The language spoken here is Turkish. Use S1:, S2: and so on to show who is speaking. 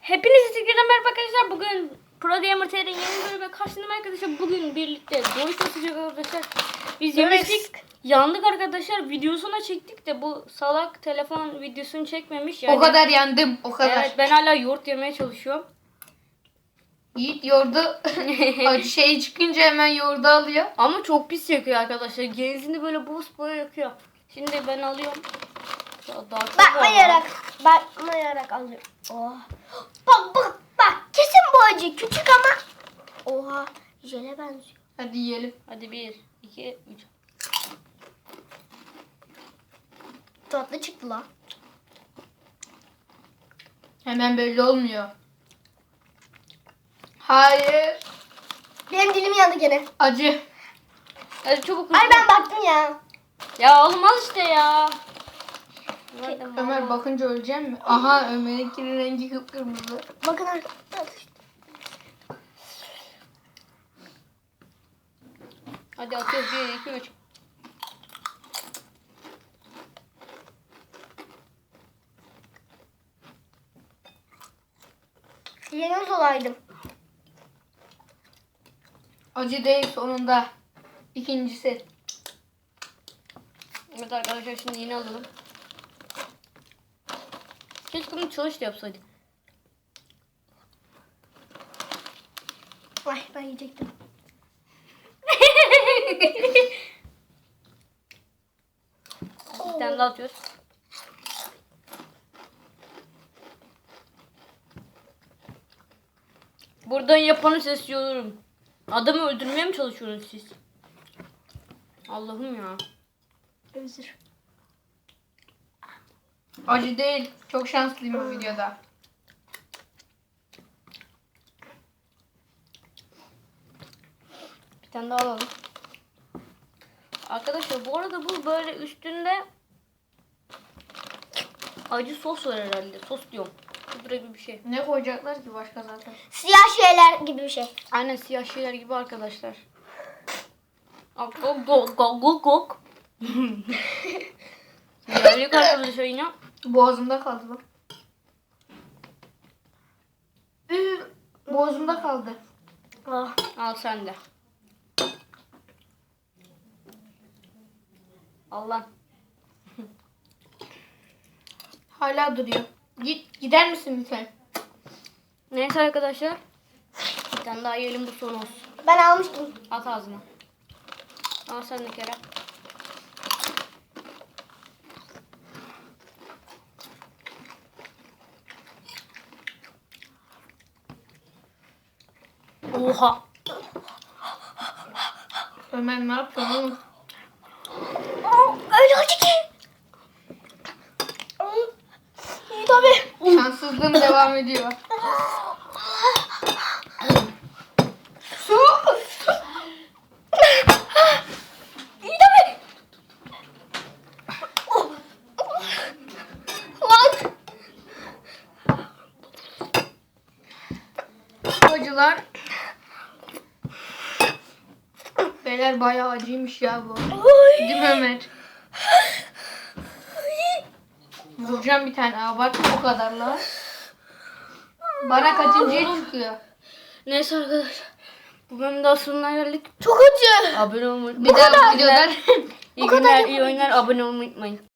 S1: Hepinize tekrardan merhaba arkadaşlar. Bugün Pro Gamer TR'nin yeni bölümüne karşınızdayım arkadaşlar. Bugün birlikte Doritos atacak arkadaşlar. Biz yemiştik. Yandık arkadaşlar. Videosunu çektik de bu salak telefon videosunu çekmemiş. Yani,
S2: o kadar yandım. O kadar.
S1: Evet, ben hala yoğurt yemeye çalışıyorum.
S2: Yiğit yoğurdu şey çıkınca hemen yoğurdu alıyor.
S1: Ama çok pis yakıyor arkadaşlar. Genzini böyle buz boya yakıyor. Şimdi ben alıyorum. Daha çok
S3: Bakmayarak alıyorum. Oh. Bak kesin bu acı küçük ama. Oha jele benziyor.
S2: Hadi yiyelim.
S1: Hadi 1, 2, 3.
S3: Tatlı çıktı la.
S2: Hemen belli olmuyor. Hayır.
S3: Benim dilim yandı gene.
S2: Acı.
S1: Hadi çabuk.
S3: Ay ben baktım ya.
S1: Ya oğlum al işte ya. Nerede
S2: Ömer
S1: mama?
S2: bakınca öleceğim mi? Aha Ömer'inkinin rengi kıpkırmızı.
S3: Bakın arkadaşlar.
S1: Hadi atıyoruz 1, 2, 3.
S3: Yeniz olaydım.
S2: Acı değil sonunda. İkincisi.
S1: Evet arkadaşlar şimdi yeni alalım. Keşke bunu çalış da yapsaydık.
S3: Ay ben yiyecektim.
S1: Bir tane daha atıyoruz. Buradan yapanı sesliyorum. Adamı öldürmeye mi çalışıyorsunuz siz? Allah'ım ya.
S3: Özür.
S2: Acı değil. Çok şanslıyım bu videoda.
S1: Bir tane daha alalım. Arkadaşlar bu arada bu böyle üstünde acı sos var herhalde. Sos diyorum. Pudra gibi bir şey.
S2: Ne koyacaklar ki başka zaten?
S3: Siyah şeyler gibi bir şey.
S1: Aynen siyah şeyler gibi arkadaşlar. Gok gok gok gok gok. Geldik arkadaşlar yine.
S2: Boğazımda kaldı bak. Boğazımda kaldı.
S3: Ah.
S1: Al sen de. Allah.
S2: Hala duruyor. Gider misin lütfen?
S1: Neyse arkadaşlar. Bir tane daha yiyelim bu son olsun.
S3: Ben almıştım.
S1: At ağzına. Al sen de Kerem. Oha.
S2: Ömer ne yapıyorsun oğlum?
S3: Öyle acı ki. İyi tabii.
S2: Şanssızlığım devam ediyor. Su.
S3: İyi tabii. Lan.
S2: Acılar. Beyler bayağı acıymış ya bu. Değil mi Ömer? Vuracağım bir tane. Abartma o kadarla. Bana kaçıncıya çıkıyor?
S1: Neyse arkadaşlar. Bu bölümün daha sonuna geldik.
S3: Çok acı.
S1: Abone olmayı
S2: Bir daha videodan
S1: İyi günler, iyi oyunlar. Abone olmayı unutmayın.